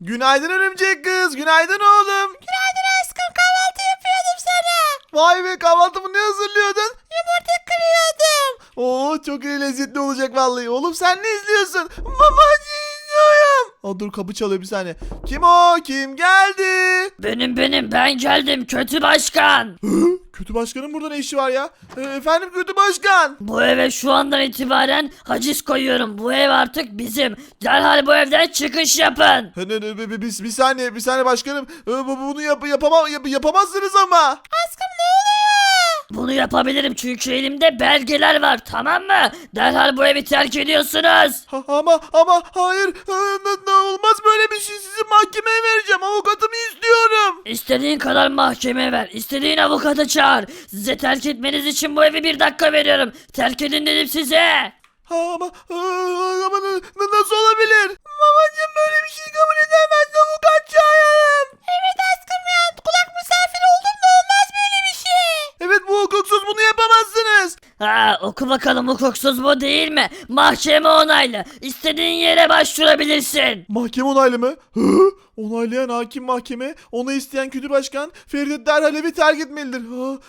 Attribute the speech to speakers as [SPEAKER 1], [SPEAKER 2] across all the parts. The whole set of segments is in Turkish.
[SPEAKER 1] Günaydın örümcek kız. Günaydın oğlum.
[SPEAKER 2] Günaydın aşkım, kahvaltı yapıyordum sana.
[SPEAKER 1] Vay be, kahvaltımı ne hazırlıyordun?
[SPEAKER 2] Yumurta kırıyordum.
[SPEAKER 1] Oo, çok iyi, lezzetli olacak vallahi. Oğlum sen ne izliyorsun? Mamacı izliyorum. Aa, dur, kapı çalıyor, bir saniye. Kim o? Kim geldi?
[SPEAKER 2] Benim ben geldim kötü başkan.
[SPEAKER 1] Hı? Kötü başkanın burada ne işi var ya? Efendim kötü başkan.
[SPEAKER 2] Bu eve şu andan itibaren haciz koyuyorum. Bu ev artık bizim. Derhal bu evden çıkış yapın.
[SPEAKER 1] Bir saniye, bir saniye başkanım. Bunu yapamazsınız ama.
[SPEAKER 2] Aşkım ne oluyor? Bunu yapabilirim çünkü elimde belgeler var, tamam mı? Derhal bu evi terk ediyorsunuz.
[SPEAKER 1] Ama hayır. Olmaz böyle bir şey. Sizi mahkemeye vereceğim. Avukatımı istiyorum.
[SPEAKER 2] İstediğin kadar mahkeme ver. İstediğin avukatı çağır. Size terk etmeniz için bu evi 1 dakika veriyorum. Terk edin dedim size.
[SPEAKER 1] Ama nasıl olabilir? Babacığım böyle bir şey kabul edemez. Avukat çağıralım.
[SPEAKER 2] Evet aşkım ya. Kulak misafiri oldum da olmaz böyle bir şey.
[SPEAKER 1] Evet, bu hukuksuz, bunu yapamazsınız.
[SPEAKER 2] Ha, oku bakalım, hukuksuz bu değil mi? Mahkeme onaylı. İstediğin yere başvurabilirsin.
[SPEAKER 1] Mahkeme onaylı mı? Hı? Onaylayan hakim mahkeme, onu isteyen kötü başkan Feride derhal evi terk etmelidir.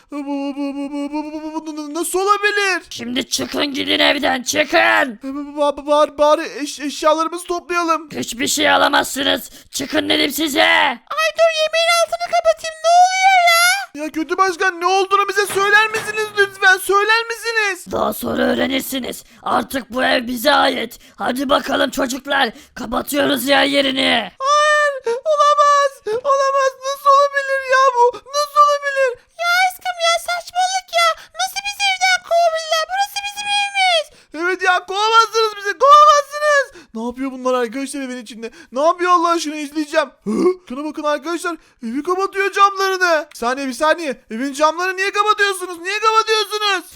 [SPEAKER 1] Bu nasıl olabilir?
[SPEAKER 2] Şimdi çıkın gidin evden, çıkın.
[SPEAKER 1] Bari eşyalarımızı toplayalım.
[SPEAKER 2] Hiçbir şey alamazsınız. Çıkın dedim size. Ay dur, yemeğin altını kapatayım, ne oluyor ya?
[SPEAKER 1] Ya kötü başkan, ne olduğunu bize söyler misiniz lütfen? Söyler misiniz?
[SPEAKER 2] Daha sonra öğrenirsiniz. Artık bu ev bize ait. Hadi bakalım çocuklar, kapatıyoruz yer yerini.
[SPEAKER 1] Hayır, olamaz. Olamaz. Nasıl olabilir ya bu? Nasıl olabilir?
[SPEAKER 2] Ya aşkım ya, saçmalık ya. Nasıl bizi evden kovabilirler? Burası bizim evimiz.
[SPEAKER 1] Evet ya, kovamazsınız bizi, kovamazsınız. Ne yapıyor bunlar arkadaşlar evin içinde? Ne yapıyor Allah aşkına, izleyeceğim. Şuna bakın arkadaşlar, evi kapatıyor camlarını. Bir saniye, evin camlarını niye kapatıyorsunuz? Niye kapatıyorsunuz?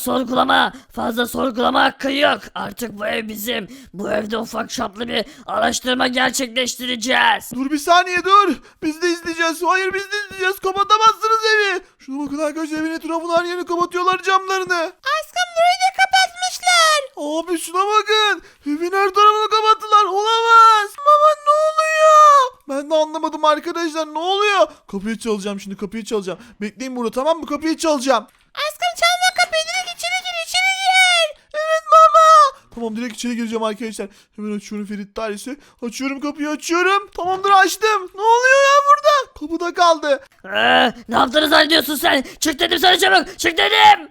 [SPEAKER 2] Fazla sorgulama hakkı yok. Artık bu ev bizim. Bu evde ufak çaplı bir araştırma gerçekleştireceğiz.
[SPEAKER 1] Dur bir saniye, dur. Biz de izleyeceğiz. Hayır, biz de izleyeceğiz. Kapatamazsınız evi. Şuna bakın arkadaşlar, evin etrafını her yerini kapatıyorlar, camlarını.
[SPEAKER 2] Aşkım burayı da kapatmışlar.
[SPEAKER 1] Abi şuna bakın. Evin her tarafını kapattılar. Olamaz. Baba ne oluyor? Ben de anlamadım arkadaşlar. Ne oluyor? Kapıyı çalacağım şimdi. Kapıyı çalacağım. Bekleyin burada, tamam mı? Kapıyı çalacağım.
[SPEAKER 2] Aşkım çalma kapıyı, direkt içeri gir.
[SPEAKER 1] Evet baba. Tamam, direkt içeri gireceğim arkadaşlar. Hemen açıyorum Ferit dairesi. Açıyorum kapıyı, açıyorum. Tamamdır, açtım. Ne oluyor ya burada? Kapıda kaldı.
[SPEAKER 2] Ne yaptığını zannediyorsun sen? Çık dedim sana, çabuk çık dedim.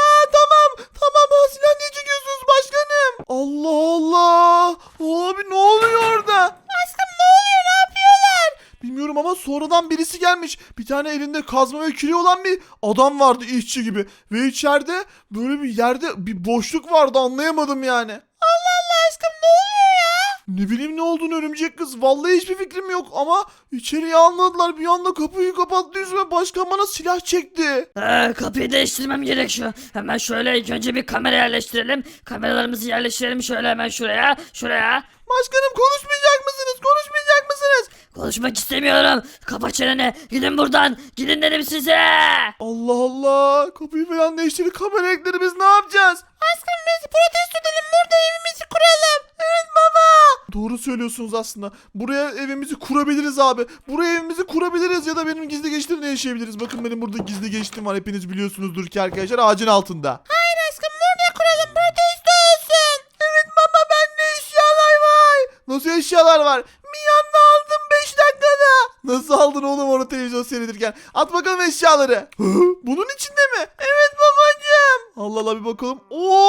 [SPEAKER 1] Tamam. Silah niye çekiyorsunuz başkanım? Allah Allah. Abi ne oluyor orada?
[SPEAKER 2] Aşkım ne oluyor, ne yapıyorlar?
[SPEAKER 1] Bilmiyorum ama sonradan birisi gelmiş. Bir tane elinde kazma ve küreği olan bir adam vardı, işçi gibi. Ve içeride böyle bir yerde bir boşluk vardı, anlayamadım yani.
[SPEAKER 2] Allah Allah aşkım, ne oluyor ya?
[SPEAKER 1] Ne bileyim ne olduğunu örümcek kız. Vallahi hiçbir fikrim yok ama içeriye almadılar. Bir anda kapıyı kapattı yüzüme. Başkan bana silah çekti.
[SPEAKER 2] Kapıyı değiştirmem gerekiyor. Hemen şöyle ilk önce bir kamera yerleştirelim. Kameralarımızı yerleştirelim şöyle hemen şuraya.
[SPEAKER 1] Başkanım, konuşmayacak mısınız? Konuşmayacak mısınız?
[SPEAKER 2] Konuşmak istemiyorum. Kapa çeneni. Gidin buradan. Gidin dedim size.
[SPEAKER 1] Allah Allah. Kapıyı falan değiştirdik. Kamera ekleri, biz ne yapacağız?
[SPEAKER 2] Aşkım biz protesto edelim. Burada evimizi kuralım.
[SPEAKER 1] Evet baba. Doğru söylüyorsunuz aslında. Buraya evimizi kurabiliriz abi. Buraya evimizi kurabiliriz ya da benim gizli geçtiğimde yaşayabiliriz. Bakın benim burada gizli geçtiğim var. Hepiniz biliyorsunuzdur ki arkadaşlar, ağacın altında.
[SPEAKER 2] Hayır aşkım, burada kuralım. Protesto olsun.
[SPEAKER 1] Evet baba, bende eşyalar var. Nasıl eşyalar var? Bir anda aldım 5 dakikada. Nasıl aldın oğlum onu televizyon seyredirken? At bakalım eşyaları. Hı? Bunun içinde mi? Evet babacığım. Allah Allah, bir bakalım.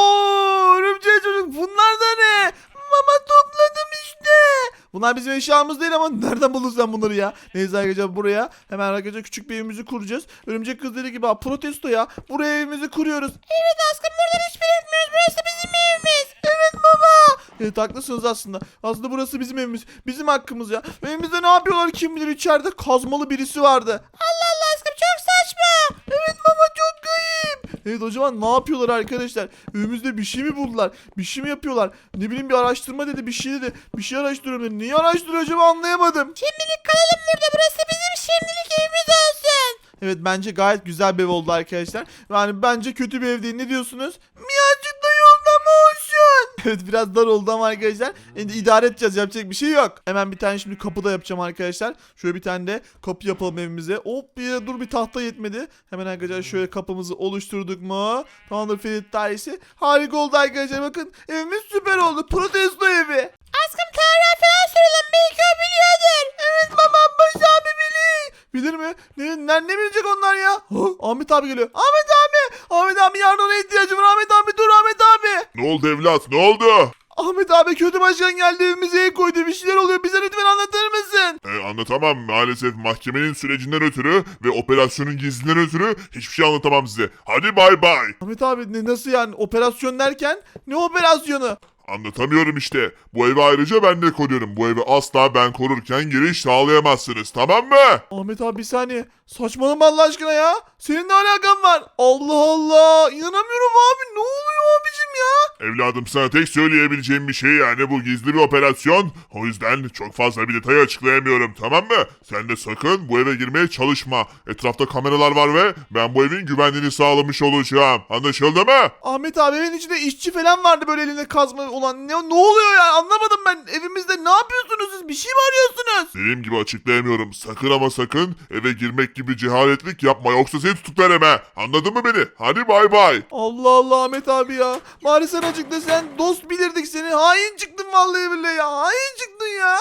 [SPEAKER 1] Oo, örümcek çocuk, bunlar da ne? Baba topladım işte. Bunlar bizim eşyamız değil ama nereden buldun sen bunları ya? Neyse arkadaşlar, buraya hemen arkadaşlar küçük bir evimizi kuracağız. Örümcek kız dediği gibi protesto ya. Buraya evimizi kuruyoruz.
[SPEAKER 2] Evet aşkım, buradan hiçbir etmiyoruz. Burası bizim evimiz.
[SPEAKER 1] Evet baba. Evet, haklısınız aslında. Aslında burası bizim evimiz. Bizim hakkımız ya. Evimizde ne yapıyorlar kim bilir, içeride kazmalı birisi vardı.
[SPEAKER 2] Allah Allah aşkım, çok saçma.
[SPEAKER 1] Evet baba, çok kayıp. Evet, o zaman ne yapıyorlar arkadaşlar? Evimizde bir şey mi buldular? Bir şey mi yapıyorlar? Ne bileyim, bir araştırma dedi, bir şey dedi. Bir şey araştırıyorum dedi. Neyi araştırıyor acaba, anlayamadım.
[SPEAKER 2] Şimdilik kalalım burada. Burası bizim şimdilik evimiz olsun.
[SPEAKER 1] Evet, bence gayet güzel bir ev oldu arkadaşlar. Yani bence kötü bir ev değil. Ne diyorsunuz? Miyacık da yolda mı olsun? Evet biraz dar oldu ama arkadaşlar idare edeceğiz, yapacak bir şey yok. Hemen bir tane şimdi kapı da yapacağım arkadaşlar. Şöyle bir tane de kapı yapalım evimize. Hop dur bir tahta yetmedi. Hemen arkadaşlar şöyle kapımızı oluşturduk mu? Tamamdır Ferit dairesi. Harika oldu arkadaşlar, bakın evimiz süper oldu. Protesto evi.
[SPEAKER 2] Aşkım tarih falan soralım, belki o biliyordur.
[SPEAKER 1] Evet babam Baş abi bilir. Bilir mi? Ne bilecek onlar ya? Ahmet abi geliyor. Ahmet abi. Ahmet abi yardımına ihtiyacım var. Ahmet abi dur Ahmet abi.
[SPEAKER 3] Ne oldu evlat, ne oldu?
[SPEAKER 1] Ahmet abi kötü başkan geldi, evimize el koydu, bir şeyler oluyor, bize lütfen anlatır mısın?
[SPEAKER 3] Anlatamam maalesef, mahkemenin sürecinden ötürü ve operasyonun gizliliğinden ötürü hiçbir şey anlatamam size. Hadi bay bay.
[SPEAKER 1] Ahmet abi nasıl yani, operasyon derken ne operasyonu?
[SPEAKER 3] Anlatamıyorum işte. Bu evi ayrıca ben de koruyorum. Bu evi asla ben korurken giriş sağlayamazsınız, tamam mı?
[SPEAKER 1] Ahmet abi bir saniye, saçmalama Allah aşkına ya, senin ne alakan var? Allah Allah, inanamıyorum abi, ne oluyor abicim ya?
[SPEAKER 3] Evladım sana tek söyleyebileceğim bir şey, yani bu gizli bir operasyon. O yüzden çok fazla bir detayı açıklayamıyorum, tamam mı? Sen de sakın bu eve girmeye çalışma. Etrafta kameralar var ve ben bu evin güvenliğini sağlamış olacağım. Anlaşıldı mı?
[SPEAKER 1] Ahmet abi evin içinde işçi falan vardı böyle elinde kazma olan, ne oluyor ya, anlamadım ben, evimizde ne yapıyorsunuz siz, bir şey mi arıyorsunuz?
[SPEAKER 3] Dediğim gibi açıklayamıyorum. Sakın ama sakın eve girmek gibi cehaletlik yapma, yoksa seni tutuklarım he. Anladın mı beni? Hadi bay bay.
[SPEAKER 1] Allah Allah Ahmet abi ya. Bari sen açıkla, sen dost bilirdik seni. Hain çıktın vallahi billahi ya. Hain çıktın ya.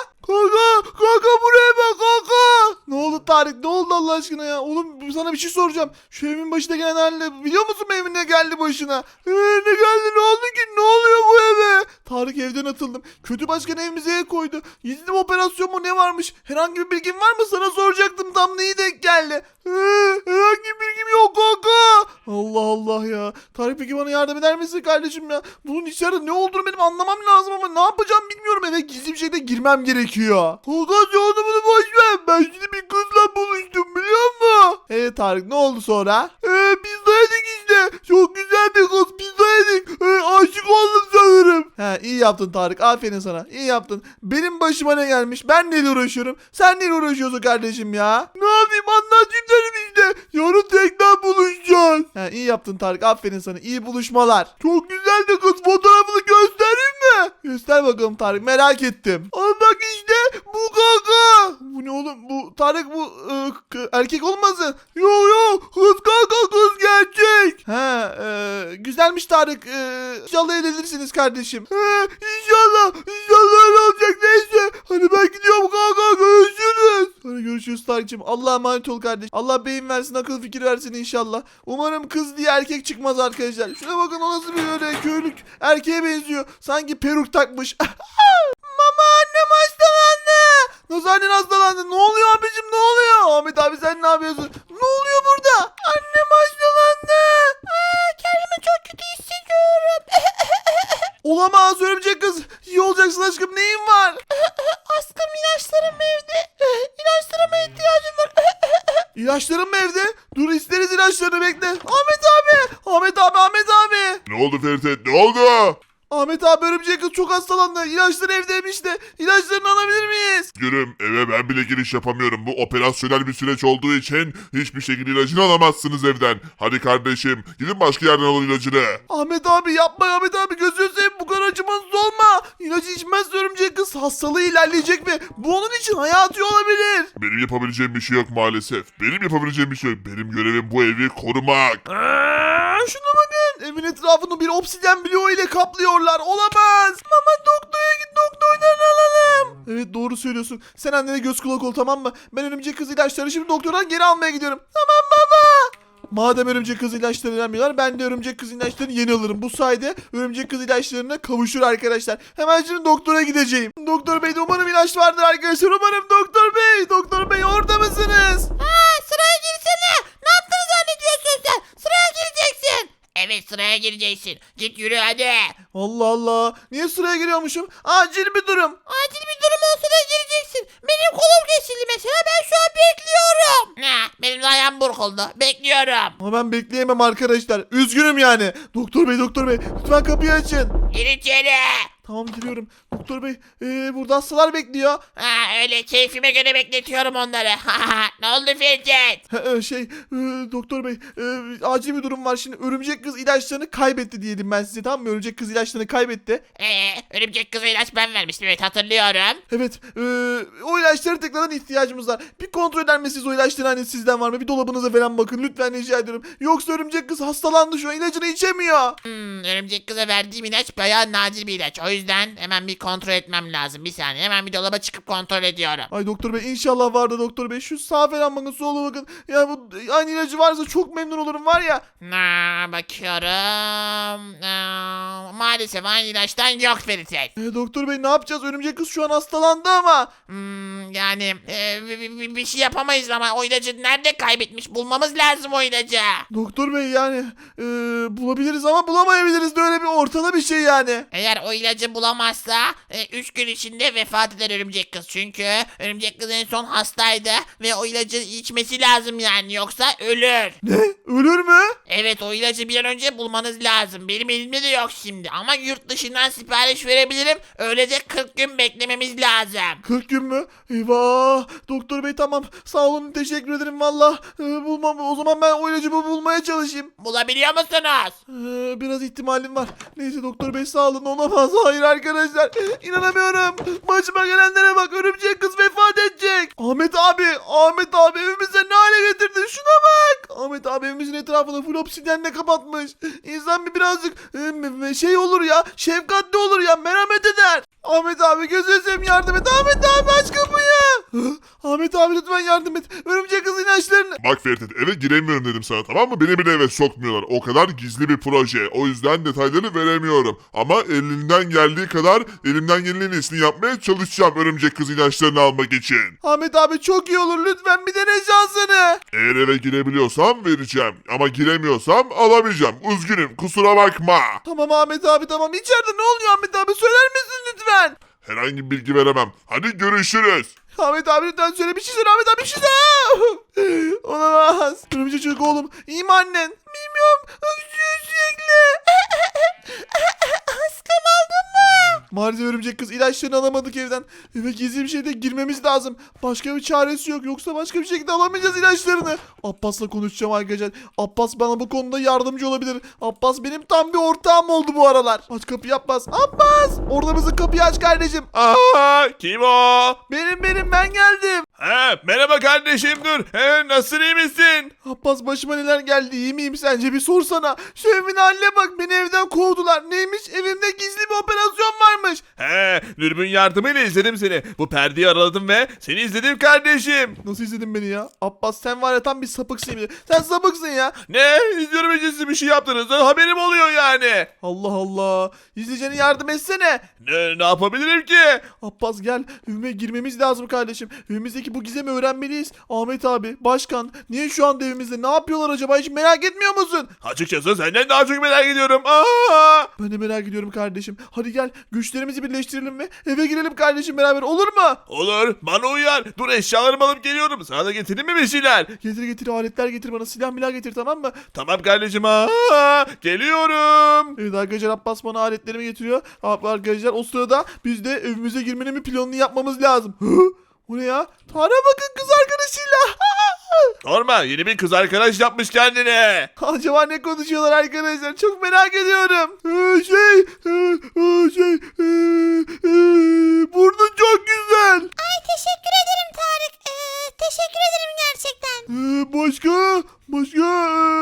[SPEAKER 1] Kanka buraya bak kanka. Ne oldu Tarık, ne oldu Allah aşkına ya? Oğlum sana bir şey soracağım. Şu evin başına gelen haline biliyor musun, evin ne geldi başına? Ne geldi, ne oldu ki, ne oluyor bu eve? Tarık evden atıldım. Kötü başkan evimize el koydu. Gizli bir operasyon mu ne varmış? Herhangi bir bilgin var mı? Sana soracaktım, tam neyi denk geldi? Herhangi bir bilgim yok kanka. Allah Allah ya. Tarık peki bana yardım eder misin kardeşim ya? Bunun içeride ne olduğunu benim anlamam lazım ama ne yapacağım bilmiyorum. Eve gizli bir şekilde girmem gerekiyor. Kanka sen bunu boş ver. Ben şimdi bir kızla buluştum biliyor musun? Tarık ne oldu sonra? Pizza yedik işte. Çok güzel bir kız, pizza yedik. Aşık oldum sanırım. İyi yaptın Tarık, aferin sana. İyi yaptın. Benim başıma ne gelmiş? Ben neyle uğraşıyorum? Sen neyle uğraşıyorsun kardeşim ya? Ne yapayım, anlatayım dedim işte. Yarın tekrar buluşacağız. İyi yaptın Tarık, aferin sana. İyi buluşmalar. Çok güzel de kız, fotoğrafını göstereyim mi? Göster bakalım Tarık, merak ettim. Al bak işte bu kanka. Bu ne oğlum, bu Tarık, bu erkek olmasın? Yok kız kanka, kız gerçek. Güzelmiş Tarık. İnşallah evlenirsiniz kardeşim. İnşallah öyle olacak, neyse. Hadi ben gidiyorum kanka, görüşürüz. Hadi görüşürüz Tarık'cığım. Allah'a emanet ol kardeş. Allah beyin versin, akıl fikir versin inşallah. Umarım kız diye erkek çıkmaz arkadaşlar. Şuna bakın, o nasıl bir öyle köylük erkeğe benziyor. Sanki peruk takmış. Mama, annem hastalandı. Nasıl annen hastalandı? Ne oluyor abicim, ne oluyor? Ahmet abi sen ne yapıyorsun? Ne oluyor burada? Annem hastalandı. Kendimi çok kötü hissediyorum. Olamaz örümcek kız. İyi olacaksın aşkım, neyin var? Aşkım ilaçlarım evde. İlaçlarıma ihtiyacım var. İlaçlarım mı evde? Dur isteriz ilaçlarını, bekle. Ahmet abi. Ahmet abi.
[SPEAKER 3] Ne oldu Ferit, ne oldu?
[SPEAKER 1] Ahmet abi örümcek kız çok hastalandı. İlaçları evdeymiş de. İlaçlarını alabilir miyiz?
[SPEAKER 3] Gülüm, eve ben bile giriş yapamıyorum. Bu operasyonel bir süreç olduğu için hiçbir şekilde ilacını alamazsınız evden. Hadi kardeşim, gidin başka yerden alın ilacını.
[SPEAKER 1] Ahmet abi yapma, Ahmet abi gözünü seveyim, bu kadar acımasız olma. İlacı içmezse örümcek kız hastalığı ilerleyecek ve bu onun için hayati olabilir.
[SPEAKER 3] Benim yapabileceğim bir şey yok maalesef. Benim yapabileceğim bir şey yok. Benim görevim bu evi korumak.
[SPEAKER 1] Şuna bakın, evin etrafını bir obsidyen bloğu ile kaplıyorlar. Olamaz. Mama doktora git, doktordan alalım. Evet doğru söylüyorsun. Sen annene göz kulak ol, tamam mı? Ben örümcek kız ilaçları şimdi doktordan geri almaya gidiyorum. Tamam baba. Madem örümcek kız ilaçları vermiyorlar, ben de örümcek kız ilaçlarını yeni alırım. Bu sayede örümcek kız ilaçlarına kavuşur arkadaşlar. Hemen şimdi doktora gideceğim. Doktor bey de umarım ilaç vardır arkadaşlar. Umarım doktor bey. Doktor bey orada mısınız?
[SPEAKER 2] Sıraya girsene. Ne yaptığını zannediyorsun sen? Sıraya gireceksin. Evet, sıraya gireceksin. Git yürü hadi.
[SPEAKER 1] Allah Allah. Niye sıraya giriyormuşum? Acil bir durum.
[SPEAKER 2] Acil bir durum olsa da gireceksin. Benim kolum kesildi mesela, ben şu an bekliyorum. Ne? Benim de ayağım burkuldu. Bekliyorum.
[SPEAKER 1] Ama ben bekleyemem arkadaşlar. Üzgünüm yani. Doktor bey lütfen kapıyı açın.
[SPEAKER 2] Gir içeri.
[SPEAKER 1] Tamam giriyorum. Doktor bey burada hastalar bekliyor.
[SPEAKER 4] Öyle keyfime göre bekletiyorum onları. Ne oldu Firket?
[SPEAKER 1] Doktor bey acil bir durum var. Şimdi örümcek kız ilaçlarını kaybetti diyelim ben size, tamam mı? Örümcek kız ilaçlarını kaybetti.
[SPEAKER 4] Örümcek kıza ilaç ben vermiştim, evet hatırlıyorum.
[SPEAKER 1] Evet o ilaçlara tekrardan ihtiyacımız var. Bir kontrol eder misiniz o ilaçların hani sizden var mı? Bir dolabınıza falan bakın lütfen, rica ediyorum. Yoksa örümcek kız hastalandı, şu an ilacını içemiyor.
[SPEAKER 4] Örümcek kıza verdiğim ilaç bayağı nadir bir ilaç. O yüzden hemen bir kontrol etmem lazım. Bir saniye, hemen bir dolaba çıkıp kontrol ediyorum.
[SPEAKER 1] Ay doktor bey inşallah vardı doktor bey. Şu sağa falan bakın, sola bakın. Ya bu aynı ilacı varsa çok memnun olurum var ya.
[SPEAKER 4] Bakıyorum. Maalesef aynı ilaçtan yok Feritet.
[SPEAKER 1] Doktor bey ne yapacağız? Örümcek kız şu an hastalandı ama.
[SPEAKER 4] Yani bir şey yapamayız ama o ilacı nerede kaybetmiş? Bulmamız lazım o ilacı.
[SPEAKER 1] Doktor bey yani bulabiliriz ama bulamayabiliriz de, öyle bir ortada bir şey yani.
[SPEAKER 4] Eğer o ilacı bulamazsa 3 gün içinde vefat eder örümcek kız. Çünkü örümcek kız en son hastaydı ve o ilacı içmesi lazım yani, yoksa ölür.
[SPEAKER 1] Ne? Ölür mü?
[SPEAKER 4] Evet, o ilacı bir an önce bulmanız lazım. Benim elimde de yok şimdi ama yurt dışından sipariş verebilirim. Öyle de 40 gün beklememiz lazım.
[SPEAKER 1] 40 gün mü? Eyvah. Doktor bey tamam. Sağ olun, teşekkür ederim valla. Bulmam. O zaman ben o ilacı bulmaya çalışayım.
[SPEAKER 4] Bulabiliyor musunuz?
[SPEAKER 1] Biraz ihtimalim var. Neyse doktor bey sağ olun, olamaz. Hayır arkadaşlar. İnanamıyorum. Başıma gelenlere bak, örümcek kız vefat edecek. Ahmet abi evimize ne hale getirdin, şuna bak. Ahmet abi evimizin etrafını full obsidyenle kapatmış. İnsan birazcık şey olur ya, şefkatli olur ya, merhamet eder. Ahmet abi gözünü seveyim yardım et. Ahmet abi aç kapıyı. Ahmet abi lütfen yardım et. Örümcek kız ilaçlarını.
[SPEAKER 3] Bak Ferit, eve giremiyorum dedim sana, tamam mı? Beni bile eve sokmuyorlar. O kadar gizli bir proje. O yüzden detayları veremiyorum. Ama elimden geldiği kadar elimden gelenin iyisini yapmaya çalışacağım örümcek kız ilaçlarını almak için.
[SPEAKER 1] Ahmet abi çok iyi olur, lütfen bir dene şansını.
[SPEAKER 3] Eğer eve girebiliyorsam vereceğim. Ama giremiyorsam alamayacağım. Üzgünüm, kusura bakma.
[SPEAKER 1] Tamam Ahmet abi tamam. İçeride ne oluyor Ahmet abi, söyler misin lütfen?
[SPEAKER 3] Herhangi bir bilgi veremem. Hadi görüşürüz.
[SPEAKER 1] Ahmet abi lütfen söyle, bir şey söyle Ahmet abi, bir şey söyle. Olamaz. Örümcek çocuk oğlum. İyi mi annen? Bilmiyorum. Öksürüyor sürekli. Askım aldın mı? Maalesef örümcek kız ilaçlarını alamadık evden. Eve gizli bir şeyde girmemiz lazım. Başka bir çaresi yok. Yoksa başka bir şekilde alamayacağız ilaçlarını. Abbas'la konuşacağım arkadaşlar. Abbas bana bu konuda yardımcı olabilir. Abbas benim tam bir ortağım oldu bu aralar. Aç kapıyı Abbas. Abbas! Orada mısın? Kapıyı aç kardeşim.
[SPEAKER 5] Kim o?
[SPEAKER 1] Benim ben geldim.
[SPEAKER 5] Merhaba kardeşim, dur. Nasılsın, iyi misin?
[SPEAKER 1] Abbas başıma neler geldi, iyi miyim sence, bir sorsana. Şu evimin haline bak, beni evden kovdular. Neymiş, evimde gizli bir operasyon varmış.
[SPEAKER 5] Dürbün yardımıyla izledim seni. Bu perdeyi araladım ve seni izledim kardeşim.
[SPEAKER 1] Nasıl izledin beni ya? Abbas sen var ya tam bir sapıksın. Sen sapıksın ya.
[SPEAKER 5] Ne? İzliyorum, siz bir şey yaptınız. Haberim oluyor yani.
[SPEAKER 1] Allah Allah. İzleyicene yardım etsene.
[SPEAKER 5] Ne yapabilirim ki?
[SPEAKER 1] Abbas gel, evime girmemiz lazım kardeşim. Evimizdeki bu gizemi öğrenmeliyiz. Ahmet abi, başkan niye şu anda evimizde, ne yapıyorlar acaba, hiç merak etmiyor musun?
[SPEAKER 5] Açıkçası senden daha çok merak ediyorum.
[SPEAKER 1] Ben de merak ediyorum kardeşim. Hadi gel güçlerimizi birleştirelim ve eve girelim kardeşim beraber, olur mu?
[SPEAKER 5] Olur, bana uyar. Dur, eşyalarımı alıp geliyorum. Sana da getireyim mi bir şeyler?
[SPEAKER 1] Getir aletler getir bana, silah milah getir, tamam mı?
[SPEAKER 5] Tamam kardeşim. Geliyorum.
[SPEAKER 1] Evet arkadaşlar, Abbas bana aletlerimi getiriyor. Arkadaşlar o sırada biz de evimize girmenin bir planını yapmamız lazım. Bu ne ya? Tara bakın, kız arkadaşıyla.
[SPEAKER 5] Sorma, yeni bir kız arkadaş yapmış kendine.
[SPEAKER 1] Acaba ne konuşuyorlar arkadaşlar? Çok merak ediyorum. Burnun çok güzel.
[SPEAKER 6] Ay teşekkür ederim Tarık. Teşekkür ederim gerçekten.
[SPEAKER 1] Başka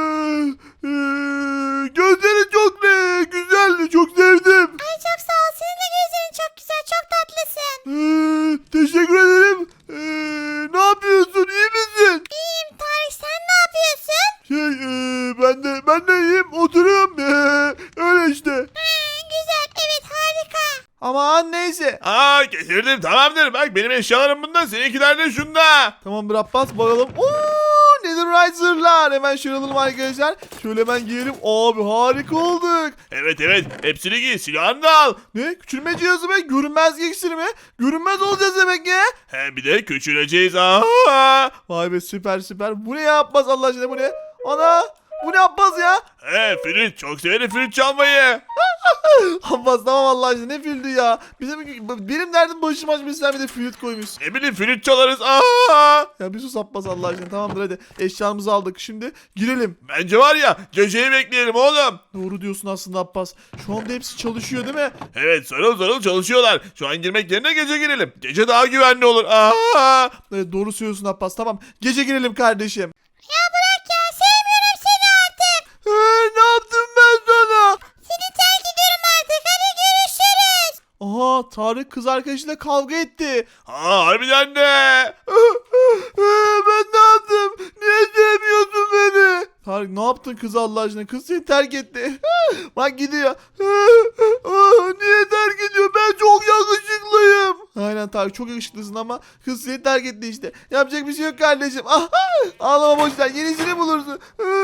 [SPEAKER 1] gözleri çok güzel, çok sevdim.
[SPEAKER 6] Ay çok sağ ol. Senin de gözlerin çok güzel. Çok tatlısın.
[SPEAKER 1] Teşekkür ederim. Ne yapıyorsun? İyi misin?
[SPEAKER 6] İyiyim Tarık. Sen ne yapıyorsun?
[SPEAKER 1] Ben de iyiyim. Oturuyorum. Öyle işte.
[SPEAKER 6] Güzel. Evet harika.
[SPEAKER 1] Aman neyse.
[SPEAKER 5] Getirdim, tamamdır. Bak benim eşyalarım bunda, seninkiler de şunda.
[SPEAKER 1] Tamamdır Abbas, bakalım. Netherite zırhlar. Hemen şöyle alalım arkadaşlar. Şöyle hemen giyelim. Abi harika olduk.
[SPEAKER 5] Evet, hepsini giy, silahını da al.
[SPEAKER 1] Ne? Küçülme cihazı mı? Görünmez iksiri mi? Görünmez olacağız demek ya.
[SPEAKER 5] Bir de küçüleceğiz.
[SPEAKER 1] Vay be, süper. Bu ne ya Abbas, Allah aşkına bu ne? Ana! Bu ne Abbas ya?
[SPEAKER 5] Flüt çok severim flüt çalmayı.
[SPEAKER 1] Abbas tamam Allah aşkına ne flütü ya. Benim derdim başım açmış sen bir de flüt koymuş.
[SPEAKER 5] Ne bileyim flüt çalarız. Aa!
[SPEAKER 1] Ya bir sus Abbas Allah aşkına tamamdır hadi. Eşyamızı aldık şimdi girelim.
[SPEAKER 5] Bence var ya geceyi bekleyelim oğlum.
[SPEAKER 1] Doğru diyorsun aslında Abbas. Şu anda hepsi çalışıyor değil mi?
[SPEAKER 5] Evet sarıl sarıl çalışıyorlar. Şu an girmek yerine gece girelim. Gece daha güvenli olur. Aa!
[SPEAKER 1] Evet doğru söylüyorsun Abbas tamam. Gece girelim kardeşim.
[SPEAKER 6] Ya bırak ya sevmiyorum seni artık.
[SPEAKER 1] Ne yaptım ben sana?
[SPEAKER 6] Seni terk ediyorum artık hadi görüşürüz.
[SPEAKER 1] Aha Tarık kız arkadaşıyla kavga etti.
[SPEAKER 5] Harbiden de.
[SPEAKER 1] Ben ne yaptım? Niye sevmiyorsun beni? Tarık ne yaptın kız Allah aşkına? Kız seni terk etti. Bak gidiyor. Niye terk ediyor? Ben çok yakışıklıyım. Aynen Tarık çok yakışıklısın ama kız seni terk etti işte. Yapacak bir şey yok kardeşim. Ağlama boşver. Yenisini bulursun.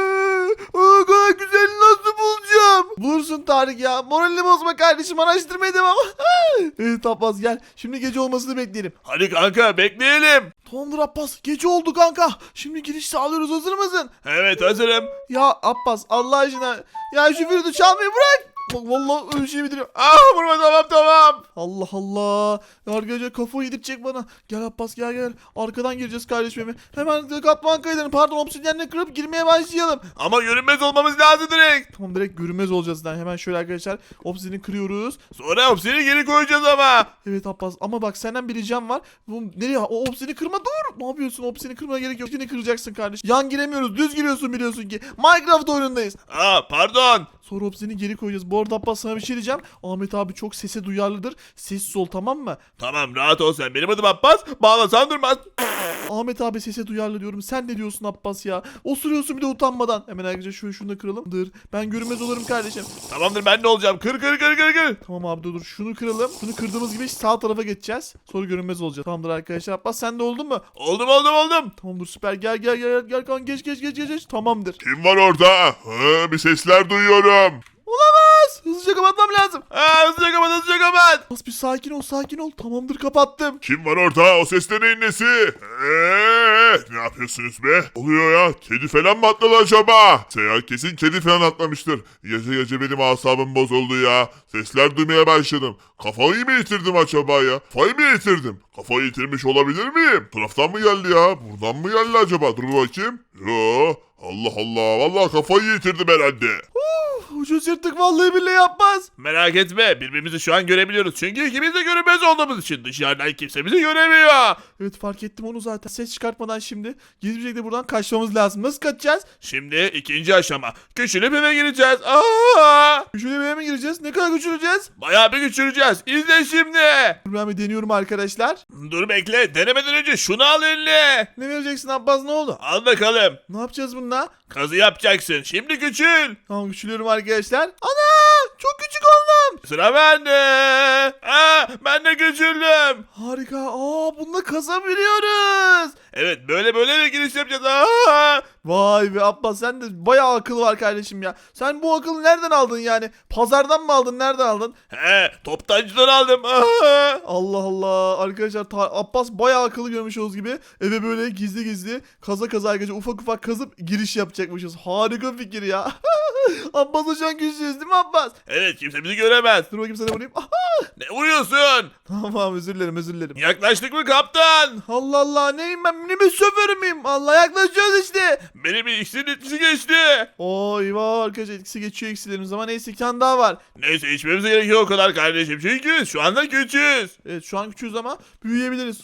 [SPEAKER 1] O kadar güzeli nasıl bulacağım? Bulursun Tarık ya. Moralini bozma kardeşim. Araştırmaya devam. Evet Abbas gel. Şimdi gece olmasını bekleyelim.
[SPEAKER 5] Hadi kanka bekleyelim.
[SPEAKER 1] Tamamdır Abbas. Gece oldu kanka. Şimdi giriş sağlıyoruz. Hazır mısın?
[SPEAKER 5] Evet hazırım.
[SPEAKER 1] Ya Abbas Allah aşkına. Ya şu flütü çalmayı bırak. Bak vallahi öyle şey bitiriyor.
[SPEAKER 5] Vurma tamam.
[SPEAKER 1] Allah Allah. Ya arkadaşlar kafayı yedirtecek bana. Gel Abbas gel. Arkadan gireceğiz kardeşim. Hemen katman kayılarını pardon obsidyenle kırıp girmeye başlayalım.
[SPEAKER 5] Ama görünmez olmamız lazım direkt.
[SPEAKER 1] Tamam direkt görünmez olacağız. Yani hemen şöyle arkadaşlar obsidyeni kırıyoruz.
[SPEAKER 5] Sonra hepsini geri koyacağız ama.
[SPEAKER 1] Evet Abbas ama bak senden bir ricam var. Bu nereye? O obsidyeni kırma dur. Ne yapıyorsun? Obsidyeni kırmana gerek yok. Obsidyeni kıracaksın kardeş. Yan giremiyoruz. Düz giriyorsun biliyorsun ki. Minecraft oyunundayız.
[SPEAKER 5] Pardon.
[SPEAKER 1] Sonra obsidyeni geri koyacağız. Bu arada Abbas sana bir şey diyeceğim. Ahmet abi çok sese duyarlıdır. Sessiz ol tamam mı?
[SPEAKER 5] Tamam rahat ol sen. Benim adım Abbas. Bağlasan durmaz.
[SPEAKER 1] Ahmet abi sese duyarlı diyorum. Sen ne diyorsun Abbas ya? Osuruyorsun bir de utanmadan. Hemen arkadaşlar şunu da kıralım. Dur. Ben görünmez olurum kardeşim.
[SPEAKER 5] Tamamdır ben ne olacağım? Kır.
[SPEAKER 1] Tamam abi dur. Şunu kıralım. Şunu kırdığımız gibi sağ tarafa geçeceğiz. Sonra görünmez olacağız. Tamamdır arkadaşlar. Abbas sen de oldun mu?
[SPEAKER 5] Oldum.
[SPEAKER 1] Tamamdır süper. Gel kan geç. Tamamdır.
[SPEAKER 3] Kim var orada? Bir sesler duyuyorum.
[SPEAKER 1] Olamaz. Hızlıca kapatmam lazım.
[SPEAKER 5] Hızlıca kapat.
[SPEAKER 1] Abbas bir sakin ol. Tamamdır kapattım.
[SPEAKER 3] Kim var orada? O ses de neyin nesi? Ne yapıyorsunuz be? Oluyor ya. Kedi falan mı atladı acaba? Kesin kedi falan atlamıştır. Gece benim asabım bozuldu ya. Sesler duymaya başladım. Kafayı mı yitirdim acaba ya? Kafayı mı yitirdim? Kafayı yitirmiş olabilir miyim? Bu taraftan mı geldi ya? Buradan mı geldi acaba? Dur bakayım. Yo. Allah Allah. Vallahi kafayı yitirdim herhalde.
[SPEAKER 1] Ucuz yırttık vallahi billahi yapmaz.
[SPEAKER 5] Merak etme birbirimizi şu an görebiliyoruz. Çünkü ikimiz de görünmez olduğumuz için dışarıdan kimse bizi göremiyor.
[SPEAKER 1] Evet fark ettim onu zaten. Ses çıkartmadan şimdi gizli bir şekilde buradan kaçmamız lazım. Nasıl kaçacağız?
[SPEAKER 5] Şimdi ikinci aşama. Küçülüp eve gireceğiz.
[SPEAKER 1] Şöyle bir eve mi gireceğiz? Ne kadar küçüleceğiz?
[SPEAKER 5] Bayağı bir küçüleceğiz. İzle şimdi.
[SPEAKER 1] Dur ben bir deniyorum arkadaşlar.
[SPEAKER 5] Dur bekle. Denemeden önce şunu al eline.
[SPEAKER 1] Ne vereceksin Abbas ne oldu?
[SPEAKER 5] Al bakalım.
[SPEAKER 1] Ne yapacağız bununla?
[SPEAKER 5] Kazı yapacaksın. Şimdi küçül.
[SPEAKER 1] Tamam küçülüyorum arkadaşlar. Ana! Çok küçük oldum.
[SPEAKER 5] Sıra bende. Ben de küçüldüm.
[SPEAKER 1] Harika. Bununla kazabiliyoruz.
[SPEAKER 5] Evet böyle de giriş yapacağız.
[SPEAKER 1] Vay be Abbas sen de bayağı akıl var kardeşim ya. Sen bu akıllı nereden aldın yani? Pazardan mı aldın? Nereden aldın?
[SPEAKER 5] Toptancıdan aldım.
[SPEAKER 1] Allah Allah. Arkadaşlar Abbas bayağı akıllı görmüş olduğunuz gibi eve böyle gizli kaza arkadaşlar ufak kazıp giriş yapacakmışız. Harika fikir ya. Abbas'a şu an güçlüyüz değil mi Abbas?
[SPEAKER 5] Evet kimse bizi göremez.
[SPEAKER 1] Dur bakayım sana vurayım.
[SPEAKER 5] Ne vuruyorsun?
[SPEAKER 1] Tamam özür dilerim.
[SPEAKER 5] Yaklaştık mı kaptan?
[SPEAKER 1] Allah Allah neyim ben minibüs şoförü müyüm? Allah yaklaşıyoruz işte.
[SPEAKER 5] Benim iksirin etkisi geçti.
[SPEAKER 1] Eyvah arkadaşlar etkisi geçiyor eksilerimiz ama neyse bir tane daha var.
[SPEAKER 5] Neyse içmemize gerekiyor o kadar kardeşim. Çünkü şu anda küçüğüz.
[SPEAKER 1] Evet şu an küçüğüz ama büyüyebiliriz.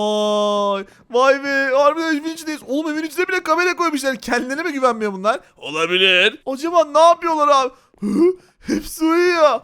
[SPEAKER 1] Vay be harbiden evin içindeyiz. Oğlum evin içine bile kamera koymuşlar. Kendilerine mi güvenmiyor bunlar?
[SPEAKER 5] Olabilir.
[SPEAKER 1] Acaba ne yapıyorlar abi? Hepsi uyuyor.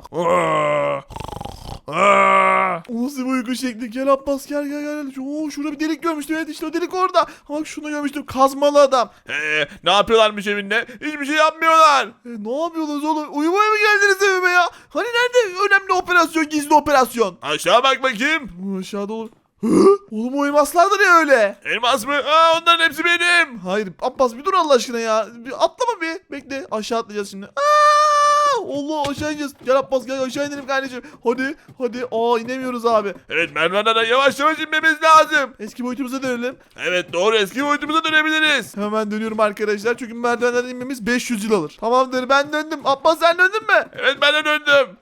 [SPEAKER 1] O nasıl bir uyku şekli? Gel Abbas gel. Şurada bir delik görmüştüm. Evet işte o delik orada. Bak şunu görmüştüm. Kazmalı adam.
[SPEAKER 5] Ne yapıyorlarmış evinde? Hiçbir şey yapmıyorlar.
[SPEAKER 1] Ne yapıyorsunuz oğlum? Uyumaya mı geldiniz evime ya? Hani nerede önemli operasyon, gizli operasyon?
[SPEAKER 5] Aşağı bak bakayım.
[SPEAKER 1] Aşağıda olur. Oğlum o elmaslar da ne öyle?
[SPEAKER 5] Elmas mı? Onların hepsi benim.
[SPEAKER 1] Hayır Abbas bir dur Allah aşkına ya. Bir atlama bir. Bekle aşağı atlayacağız şimdi. Allah aşağı ineceğiz. Gel Abbas gel aşağı inelim kardeşim. Hadi hadi. inemiyoruz abi.
[SPEAKER 5] Evet merdivenlerden yavaş yavaş inmemiz lazım.
[SPEAKER 1] Eski boyutumuza dönelim.
[SPEAKER 5] Evet doğru eski boyutumuza dönebiliriz.
[SPEAKER 1] Hemen dönüyorum arkadaşlar. Çünkü merdivenlerden inmemiz 500 yıl alır. Tamamdır ben döndüm. Abbas sen döndün mü?
[SPEAKER 5] Evet ben de döndüm.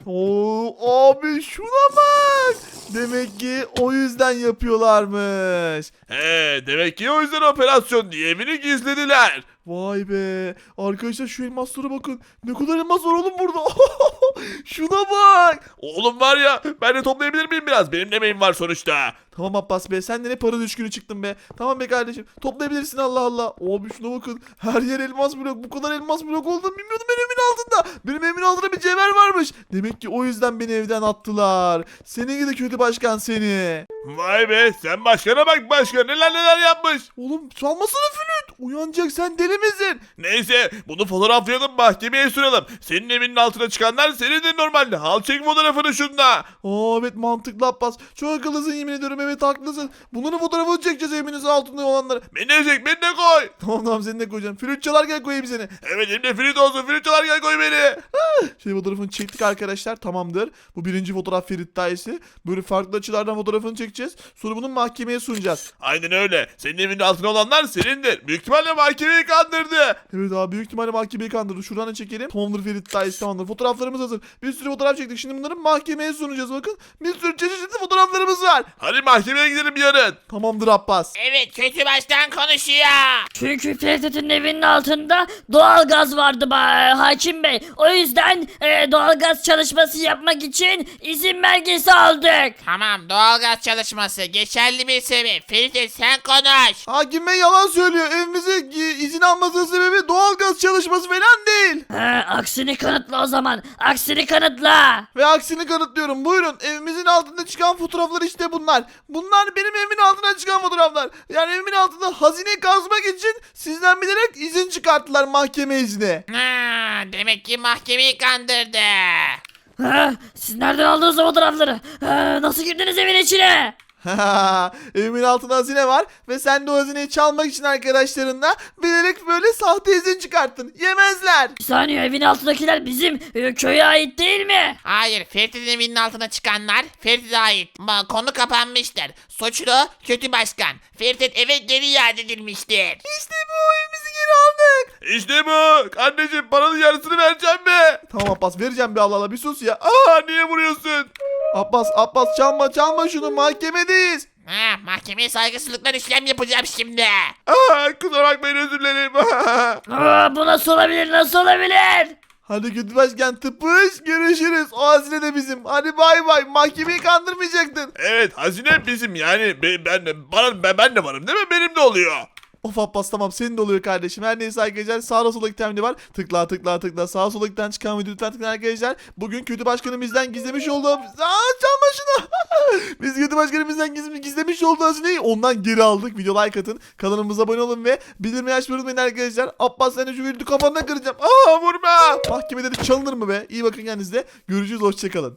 [SPEAKER 1] Abi şuna bak. Demek ki o yüzden yapıyorlarmış.
[SPEAKER 5] Demek ki o yüzden operasyon diye evini gizlediler.
[SPEAKER 1] Vay be. Arkadaşlar şu elmaslara bakın. Ne kadar elmas var oğlum burada. Şuna bak.
[SPEAKER 5] Oğlum var ya ben de toplayabilir miyim biraz? Benim de emeğim var sonuçta.
[SPEAKER 1] Tamam Abbas be sen de ne para düşkünü çıktın be. Tamam be kardeşim toplayabilirsin Allah Allah. Abi şuna bakın her yer elmas blok. Bu kadar elmas blok olduğunu bilmiyordum ben evimin altında. Benim evimin altında bir cevher varmış. Demek ki o yüzden beni evden attılar. Seni gidi kötü başkan seni.
[SPEAKER 5] Vay be sen başkana bak başkan neler yapmış.
[SPEAKER 1] Oğlum çalmasana flüt. Uyanacak sen deli misin?
[SPEAKER 5] Neyse bunu fotoğraflayalım mahkemeye sürelim. Senin evinin altına çıkanlar senin de normalde. Al çek fotoğrafını şunda.
[SPEAKER 1] Evet mantıklı Abbas. Çok akıllısın yemin ediyorum evet haklısın. Bunların fotoğrafını çekeceğiz evinizin altında olanları.
[SPEAKER 5] Beni de çek beni de koy.
[SPEAKER 1] Tamam seni de koyacağım. Flüt çalarken koyayım seni.
[SPEAKER 5] Evet elimde Ferit olsun Ferit çalar gel koy beni.
[SPEAKER 1] Şey fotoğrafını çektik arkadaşlar tamamdır. Bu birinci fotoğraf Ferit Dayısı. Böyle farklı açılardan fotoğrafını çekeceğiz. Sonra bunu mahkemeye sunacağız.
[SPEAKER 5] Aynen öyle. Senin evinin altına olanlar senindir. Büyük ihtimalle mahkemeyi kandırdı.
[SPEAKER 1] Evet abi büyük ihtimalle mahkemeyi kandırdı. Şuradan da çekelim. Tamamdır Ferit Dayısı tamamdır. Fotoğraflarımız hazır. Bir sürü fotoğraf çektik. Şimdi bunları mahkemeye sunacağız bakın. Bir sürü çeşitli fotoğraflarımız var.
[SPEAKER 5] Hadi mahkemeye gidelim yarın.
[SPEAKER 1] Tamamdır Abbas.
[SPEAKER 4] Evet kötü başkan konuşuyor.
[SPEAKER 2] Çünkü Ferit'in evinin altında doğalgaz vardı hakim bey. O yüzden doğalgaz çalışması yapmak için izin belgesi aldık.
[SPEAKER 4] Tamam doğalgaz çalışması geçerli bir sebep. Ferit sen konuş.
[SPEAKER 1] Hakim Bey yalan söylüyor. Evimize izin almasının sebebi doğalgaz çalışması falan değil.
[SPEAKER 2] Aksini kanıtla o zaman. Aksini kanıtla.
[SPEAKER 1] Ve aksini kanıtlıyorum. Buyurun evimizin altında çıkan fotoğraflar işte bunlar. Bunlar benim evimin altına çıkan fotoğraflar. Yani evimin altında hazine kazmak için sizden bilerek izin çıkarttılar mahkeme izni.
[SPEAKER 4] Demek ki mahkemeyi kandırdı.
[SPEAKER 2] Siz nereden aldınız o fotoğrafları? Nasıl girdiniz evin içine?
[SPEAKER 1] Evimin altında hazine var ve sen de o hazineyi çalmak için arkadaşlarınla bilerek böyle sahte izin çıkarttın. Yemezler.
[SPEAKER 2] Bir saniye evin altındakiler bizim köye ait değil mi?
[SPEAKER 4] Hayır Ferit'in evinin altına çıkanlar Ferit'e ait. Konu kapanmıştır. Suçlu kötü başkan. Ferit'in eve geri iade edilmiştir.
[SPEAKER 1] İşte bu evimizi geri aldık.
[SPEAKER 5] İşte bu. Kardeşim paranın yarısını vereceğim be.
[SPEAKER 1] Tamam Abbas vereceğim bir Allah Allah bir sus ya.
[SPEAKER 5] Niye vuruyorsun?
[SPEAKER 1] Abbas çalma şunu mahkemedeyiz.
[SPEAKER 4] Mahkemeye saygısızlıklar işlem yapacağım şimdi.
[SPEAKER 5] Kusura bakmayın özür dilerim.
[SPEAKER 2] Bu nasıl olabilir nasıl olabilir?
[SPEAKER 1] Hadi kötü başkan tıpış görüşürüz. O hazine de bizim. Hadi bay bay mahkemeyi kandırmayacaktın.
[SPEAKER 5] Evet hazine bizim yani ben de varım değil mi? Benim de oluyor.
[SPEAKER 1] Of Abbas tamam senin de oluyor kardeşim. Her neyse arkadaşlar sağda solda itemli var. Tıkla sağa sola giden çıkan video lütfen tıklayın arkadaşlar. Bugün kötü başkanım bizden gizlemiş olduğu... çalma şunu. Biz kötü başkanım bizden gizlemiş olduğu hazineyi ondan geri aldık. Video like atın. Kanalımıza abone olun ve bildirmeyi açmayı unutmayın arkadaşlar. Abbas sen de şu videoyu kafanına kıracağım. Vurma. Mahkemede de çalınır mı be? İyi bakın kendinize. Görüşürüz hoşçakalın.